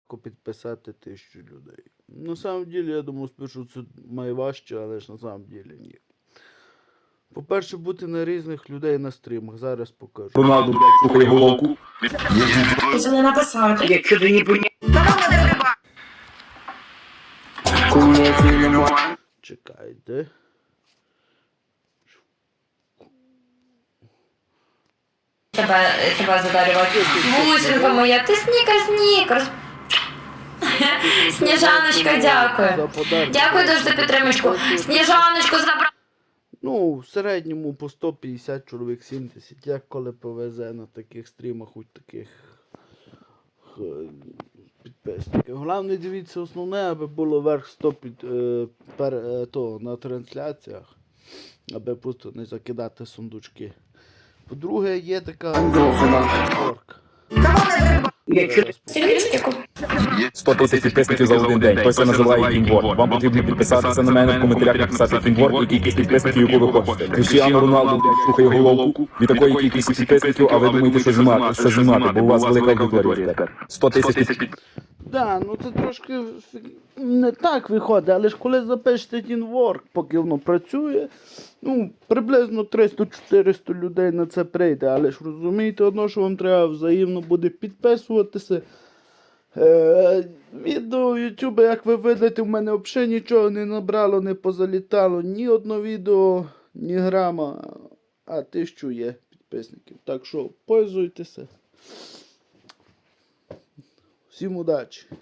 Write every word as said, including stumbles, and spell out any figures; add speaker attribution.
Speaker 1: легко підписати тисячу людей. На самом деле, я думав, спершу це найважче, але ж на самом деле ні. По-перше, бути на різних людей на стрімах. Зараз покажу.
Speaker 2: Роналду, блядь, слухає головку.
Speaker 3: Хотіли написати.
Speaker 4: Якщо ти не поняв.
Speaker 1: Чекайте.
Speaker 3: Тебе, тебе задарювати. Бусинка моя, ти снікер, снікер. Сніжаночка, дякую. Дякую дуже за підтримочку. Сніжаночку забрав.
Speaker 1: Ну, в середньому по сто п'ятдесят чоловік, сімдесят, як коли повезе на таких стрімах, хоч таких е, підписників. Головне, дивіться, основне, аби було верх сто під, е, пер, е, то, на трансляціях, аби просто не закидати сундучки. По-друге, є така орк.
Speaker 4: Якщо
Speaker 2: сто тисяч підписників за один день. Той це називає Тімвор. Вам потрібно підписатися на мене в коментарях, написати Тімвор і кількість підписників, яку ви хочете. Кріштіану Роналду, блядь, слухає головку. Від такої кількості підписників, а ви думаєте, що знімати, що знімати, бо у вас велика аудиторія тепер. сто тисяч підписників.
Speaker 1: Да, ну це трошки фі- не так виходить, але ж коли запишете тінворк, поки воно працює, ну, приблизно триста-чотириста людей на це прийде, але ж розумієте одно, що вам треба взаємно буде підписуватися. Е, відео в YouTube, як ви видите, в мене взагалі нічого не набрало, не позалітало, ні одно відео, ні грама, а тисячу є підписників. Так що, пользуйтеся. Всім удачі!